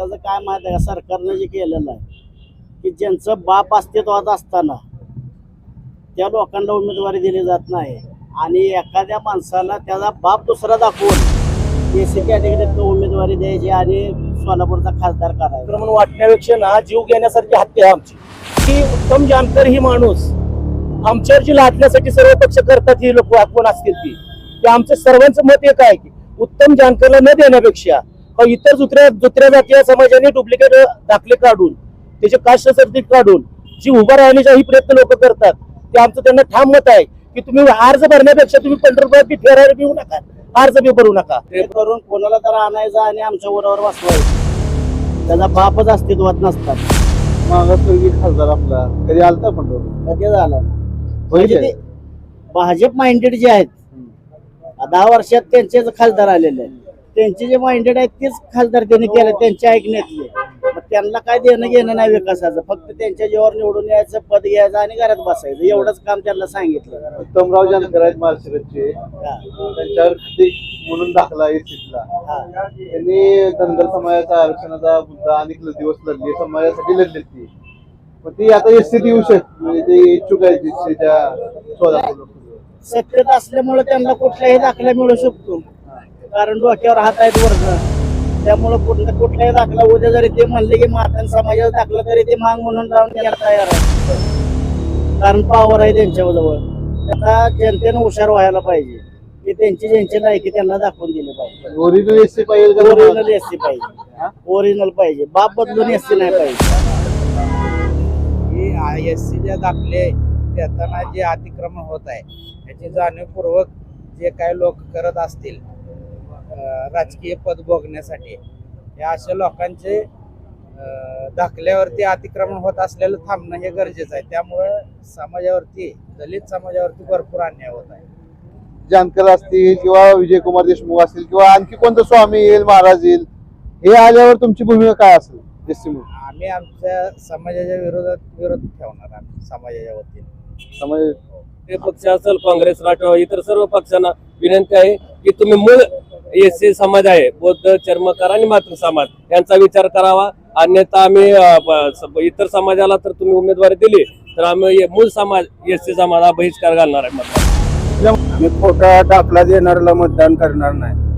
त्याचं काय माहिती आहे का, सरकारनं जे केलेलं आहे की ज्यांचं बाप अस्तित्वात असताना त्या लोकांना उमेदवारी दिली जात नाही आणि एखाद्या माणसाला त्याचा बाप दुसरा दाखवून एसी कॅटेगरीत उमेदवारी द्यायची आणि सोलापूरचा खासदार करायचा म्हणून वाटण्यापेक्षा ना जीव घेण्यासारखी हत्या आहे आमची की उत्तम जानकर ही माणूस आमच्यावर जी लादण्यासाठी सर्व पक्ष करतात ही लोक कोण असतील ती आमचं सर्वांचं मत एक आहे की उत्तम जानकरला न देण्यापेक्षा इतर दुसऱ्या जातीय समाजाने डुप्लिकेट दाखले काढून त्याचे कास्ट सर्टिफिकेट काढून जी उभा राहण्याचाही प्रयत्न लोक करतात ते आमचं त्यांना ठाम मत आहे की तुम्ही अर्ज भरण्यापेक्षा तुम्ही पंढरपुरात बी फेरायला घेऊ नका, अर्ज बी भरू नका. ते करून कोणाला तर आणायचं आणि आमच्या बरोबर बसवायचं, त्याचा बापच अस्तित्वात नसतात. मागासवर्गीय खासदार आपला कधी आलता पंढरपूर? कधी झालं म्हणजे ते भाजप माइंडेड जे आहेत 10 वर्षात त्यांचेच खासदार आलेले आहेत, त्यांचे जे माइंडेड आहेत तेच खासदार त्यांनी केले त्यांच्या ऐकण्यातले. मग त्यांना काय देणं घेणं नाही विकासाचं, फक्त त्यांच्या जीवावर निवडून यायचं, पद घ्यायचं आणि घरात बसायचं, एवढंच काम त्यांना सांगितलं. उत्तमराव जानकर आहेत माळशिरसचे, त्यांच्यावर म्हणून दाखला एसीला त्यांनी धनगर समाजाचा आरक्षणाचा मुद्दा अनेक दिवस लढले, समाजासाठी लढले ती. मग ती आता एसटीत येऊ शकते, म्हणजे ते इच्छुक आहेत एसटीच्या सत्तेत असल्यामुळे त्यांना कुठलाही दाखला मिळू शकतो, कारण डोक्यावर हात आहेत वर्ग, त्यामुळे कुठलाही दाखला उद्या जरी ते म्हणले की मातान समाजाचा दाखला तरी ते माग म्हणून राहून यायला तयार आहे, कारण पावर आहे त्यांच्याजवळ. त्यांना जनतेनं हुशार व्हायला पाहिजे की त्यांची ज्यांची लायकी त्यांना दाखवून दिली पाहिजे. ओरिजिनल एसटी पाहिजे, ओरिजिनल एसटी पाहिजे, ओरिजिनल पाहिजे, बाप बदलून एसटी नाही पाहिजे. एससीचे दाखले देताना जे अतिक्रमण होत आहे याची जाणीवपूर्वक जे काही लोक करत असतील राजकीय पद भोगण्यासाठी, या अशा लोकांचे दाखल्यावरती अतिक्रमण होत असलेलं थांबणं हे गरजेचं आहे. त्यामुळं समाजावरती, दलित समाजावरती भरपूर अन्याय होत आहे. जानकर असतील किंवा विजयकुमार देशमुख असतील किंवा आणखी कोणतं स्वामी येईल, महाराज येईल, हे आल्यावर तुमची भूमिका काय असेल? आम्ही आमच्या समाजाच्या विरोध ठेवणार, आम्ही समाजाच्या वतीने. समाज पक्ष असेल, काँग्रेस, राष्ट्रवादी, इतर सर्व पक्षांना विनंती आहे की तुम्ही मूळ एससी समाज आहे, बौद्ध, चर्मकार आणि मातृ समाज यांचा विचार करावा. अन्यथा आम्ही इतर समाजाला तर तुम्ही उमेदवारी दिली तर आम्ही मूळ समाज एससी समाजाला बहिष्कार घालणार आहे. आम्ही खोटा दाखला देणाऱ्याला मतदान करणार नाही.